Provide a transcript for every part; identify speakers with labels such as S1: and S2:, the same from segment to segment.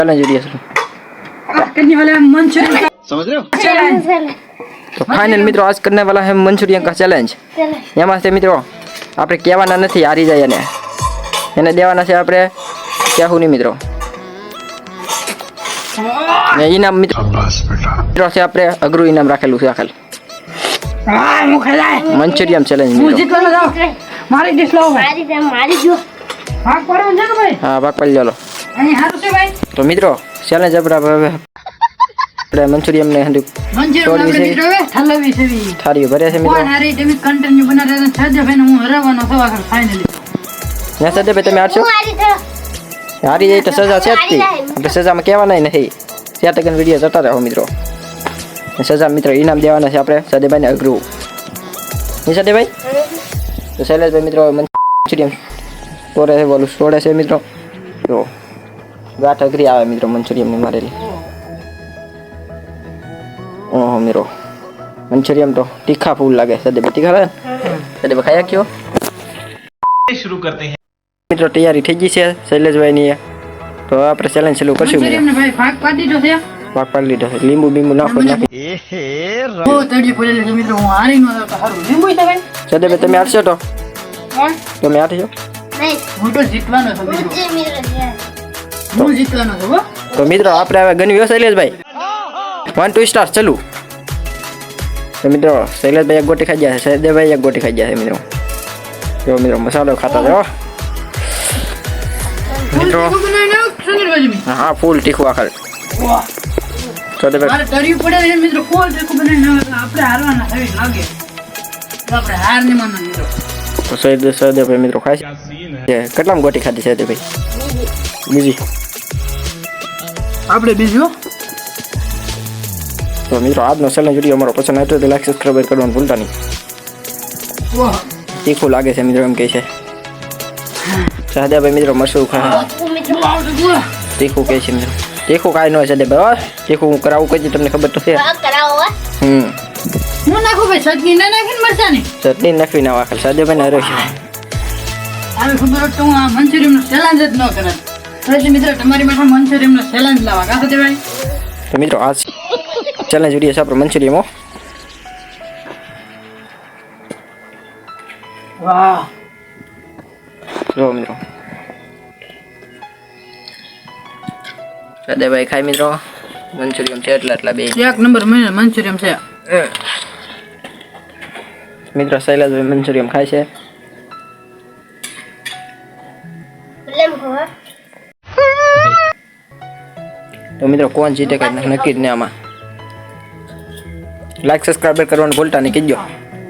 S1: Challenge video
S2: करने वाले हैं मंचूरियन,
S3: समझ रहे हो?
S1: तो फाइनल मित्रों आज करने वाला है मंचूरियन का चैलेंज। एमां से मित्रों આપણે કહેવાના નથી હારી જાય એને દેવાના છે આપણે કહેવું નહીં મિત્રો। ને ઇનામ મિત્રો છે આપણે અઘરું ઇનામ રાખેલું છે આખલ મંચુરિયન ચેલેન્જ મિત્રો।
S2: મારી ડિશ લાવો ભાઈ, મારી જો ભાગ પાડવાનું છે કે ભાઈ?
S1: હા ભાગ પાડી ચાલો।
S2: અહીં હારું છે ભાઈ।
S1: તો મિત્રો ચેલેન્જ આપણે મંચુરિયન ને હંધુ
S2: મંચુરિયન આપણે મિત્રો હવે ઠલવી છે
S1: થાળી ભરે છે મિત્રો।
S2: કોણ હારી તમે કન્ટિન્યુ બના રહ્યા છે સજ્જ ભાઈ હું હરાવવાનો છું આખર ફાઇનલી।
S1: ને સજ્જ ભાઈ તમે હારશો? હારી જાય તો સજા છે જ તે, આપણે સજામાં કહેવાના નથી। 7 વિડીયો જતા રહો મિત્રો। સજા મિત્રો ઇનામ દેવાના છે આપણે સદેભાઈને અઘરું નહીં સદેભાઈ। તો શૈલેષભાઈ મિત્રો મંચુરિયન તોડે છે બોલું તોડે છે મિત્રો। તો ગાંઠ અઘરી આવે મિત્રો મંચુરિયનની મારેલી। ઓહો મિત્રો મંચુરિયન તો તીખા ફૂલ લાગે સદેભાઈ તીખા લાગે સદેભાઈ ખાયા ક્યો
S3: शुरू करते हैं
S1: મિત્રો તૈયારી થઈ ગઈ છે શૈલેષભાઈની। તો આપણે ચેલેન્જ ચાલુ કરશું
S2: મંચુરિયન ને ભાઈ ભાગ પાડી દીધો છે,
S1: ભાગ પાડી લીધો છે। લીંબુ બીંબુ નાખો નાખી
S2: બહુ તડી પડેલી છે મિત્રો, હું હારી ન તો હારું લીંબુ છે ભાઈ।
S1: સદેભાઈ તમે હારશો તો તમે હારશો
S2: હું તો જીતવાનો છું મિત્રો, હું જીતવાનો છું હો।
S1: તો મિત્રો આપણે હવે ગણ્યો શૈલેષભાઈ 1 2 સ્ટાર ચાલુ। તો મિત્રો શૈલેષભાઈ એક ગોટી ખાઈ ગયા છે, સદેભાઈ એક ગોટી ખાઈ ગયા છે મિત્રો। જો મિત્રો મસાલો ખાતા જાઓ મિત્રો। હા ફૂલ તીખું આખર
S2: વાહ
S1: સદેભાઈ
S2: મારે તરી પડે છે મિત્રો, ફૂલ તીખું બનાવીને આપણે હારવાના છે લાગે તો આપણે હાર નહીં માનવા મિત્રો।
S1: તો સદેભાઈ મિત્રો ખાય છે કેટલામ ગોટી ખાધી છે સદેભાઈ? બીજી
S2: આપણે બીજું।
S1: તો મિત્રો આજનો ચેલેન્જ વિડીયો અમારો પસંદ આવ્યો તો લાઈક સબસ્ક્રાઇબ કરવાનું ભૂલતા નહીં।
S2: વાહ
S1: તીખું લાગે છે મિત્રો એમ કહે છે સદેભાઈ મિત્રો મરસું ખાય તીખું કહે છે મિત્રો। તીખું કાંઈ ન હોય સદેભાઈ, તીખું હું કરાવું કઈ તમને ખબર તો છે।
S2: હું નાખું ભાઈ ચટણી ના નાખીને મરચાની
S1: ચટણી નાખવી ના વાખલ સદેભાઈ ને હરે છે।
S2: આવી ખબર હોત તો હું આ મંચુરિયન નો ચેલેન્જ જ ન કરત। પછી મિત્રો તમારી માટે મંચુરિયન નો ચેલેન્જ લાવવા કાં તો ભાઈ।
S1: તો મિત્રો આ ચેલેન્જ વિડીયો છે આપણો મંચુરિયનમાં।
S2: વાહ
S1: જો મિત્રો સદેભાઈ ખાય મિત્રો મંચુરિયન છે એટલા બે
S2: એક નંબર મંચુરિયન છે
S1: મિત્રો। શૈલેષભાઈ મંચુરિયન ખાય છે। તો મિત્રો કોણ જીતે કઈ નક્કી જ ને આમાં। લાઈક સબસ્ક્રાઇબ કરવાનું ભૂલતા નહીં કીજો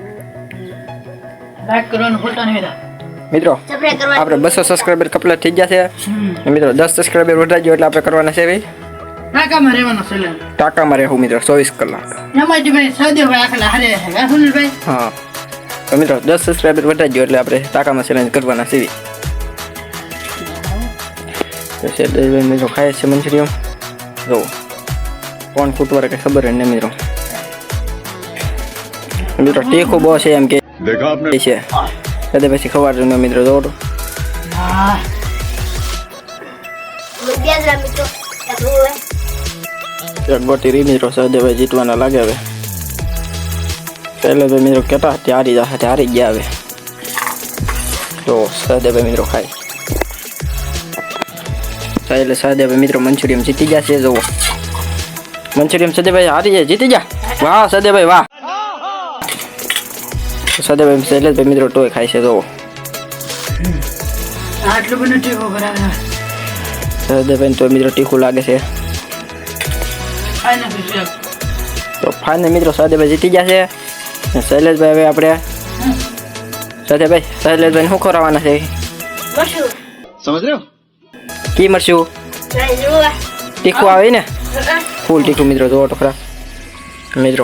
S2: લાઈક કરવાનું ભૂલતા નહીં
S1: મિત્રો। આપણે 200 સબસ્ક્રાઇબર કમ્પ્લીટ થઈ ગયા છે મિત્રો। 10 સબસ્ક્રાઇબર વધારી ગયો એટલે આપણે કરવાના છે ભાઈ
S2: ટાકામાં રહેવાનો ચેલેન્જ।
S1: ટાકામાં રહેવું મિત્રો 24 કલાક।
S2: એમાંથી ભાઈ સદેભાઈ આખલા હારે છે સુનિલભાઈ।
S1: હા તો મિત્રો 10 સબસ્ક્રાઇબર વધારી ગયો એટલે આપણે ટાકામાં ચેલેન્જ કરવાના છે। તો શૈલેષભાઈ મિત્રો ખાય છે મંચુરિયન। જો કોણ ફૂટવારે કઈ ખબર નહીં મિત્રો। મિત્રો તીખું બહુ છે એમ કે છે કદે પછી ખવાડજો ને મિત્રો જોડો।
S2: હા
S1: એક ગોટી રી મિત્રો સદેભાઈ જીતવાના લાગે હવે। પહેલે તો મિત્રો કેતા હારી જશે હારી ગયા હવે। તો સદેભાઈ મિત્રો ખાય એટલે સદેભાઈ મિત્રો મંચુરિયન જીતી ગયા છે। જોવો મંચુરિયન સદેભાઈ હારી જાય જીતી ગયા। વાહ સદેભાઈ વાહ। સદેભાઈ શૈલેષભાઈ મિત્રો ટોય ખાય છે। જોવો
S2: આટલું બધું ટીકો બરાબર
S1: સદેભાઈ તો મિત્રો તીખું લાગે છે। તો ફાઇનલ મિત્રો સદેભાઈ જીતી ગયા છે। શૈલેષભાઈ હવે આપણે શૈલેષભાઈ શું ખવડાવવાના છે?
S3: समझ रहे हो?
S1: કી મરશું તીખું આવે ને ફૂલ તીખું મિત્રો જોવો તો ખરા મિત્રો।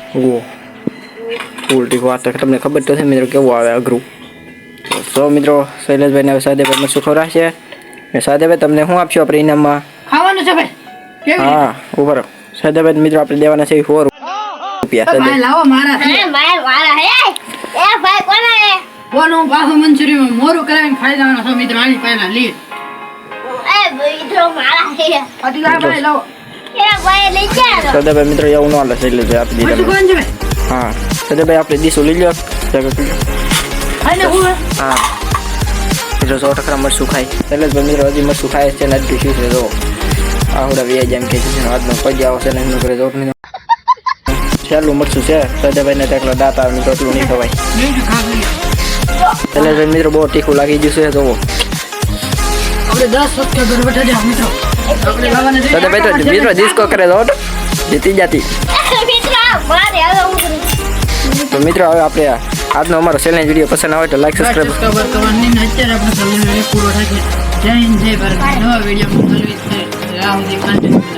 S1: ફૂલ તીખું આ તો તમને ખબર તો છે મિત્રો કેવું આવે અઘરું। તો મિત્રો શૈલેષભાઈને હવે સદેભાઈ મરશું ખવડાવશે। સદેભાઈ તમને શું આપશો આપણે ઇનામમાં?
S2: ખાવાનું છે ભાઈ
S1: હા ઉપર સદેભાઈ મિત્રો આપણે દેવાના છે 100 રૂપિયા।
S2: ભાઈ લાવો મારા છે
S4: મારા હે એ ભાઈ કોના હે
S2: કોનું પાછું મંચુરિયન મોરું કરાવીને ખાઈ જવાનો છો મિત્રો। આની પહેલા લી
S4: એ મિત્રો મારા હે
S2: આથી આ ભાઈ લાવો
S4: એ ભાઈ લઈ જાઓ
S1: સદાભાઈ મિત્રો એવું ન હાલે એટલે જે આપી
S2: મરચું
S1: દીધા
S2: કોણ છે ભાઈ
S1: હા સદાભાઈ આપણે દીસો લઈ લો
S2: આને હું હે?
S1: હા મિત્રો 100% મરચું ખાય શૈલેષભાઈ મિત્રો હજી મરચું ખાય છે ને હજી શું છે જો આવડા વ્યાજ એમ કે છે આજનો પગે આવશે ને એમનું કરે જોટ નહીં છેલ્લું મરચું છે સદાભાઈને તેટલો દાંત આવે મિત્રો એટલું નહીં ખવાય
S2: બીજું ખાધું
S1: શૈલેષભાઈ મિત્રો બહુ તીખું લાગી ગયું છે જોવો
S2: આપણે 10 સબસ્ક્રાઇબર બેઠા છે મિત્રો આપણે લાવવાના છે
S1: સદાભાઈ તો મિત્રો ડિસ્કો કરે જોટ જીતી જાતી
S4: મિત્રો મારે હવે હું
S1: તો મિત્રો હવે આપણે આજનો અમારો ચેલેન્જ વિડીયો પસંદ આવે તો લાઈક સબસ્ક્રાઇબ
S2: સબસ્ક્રાઇબર કરવાની ને અત્યારે આપણે ચેલેન્જ પૂરો થાય છે જય હિન્દ જય ભારત નવા વિડીયો મળવી છે રાહ સુધી કન્ટિન્યુ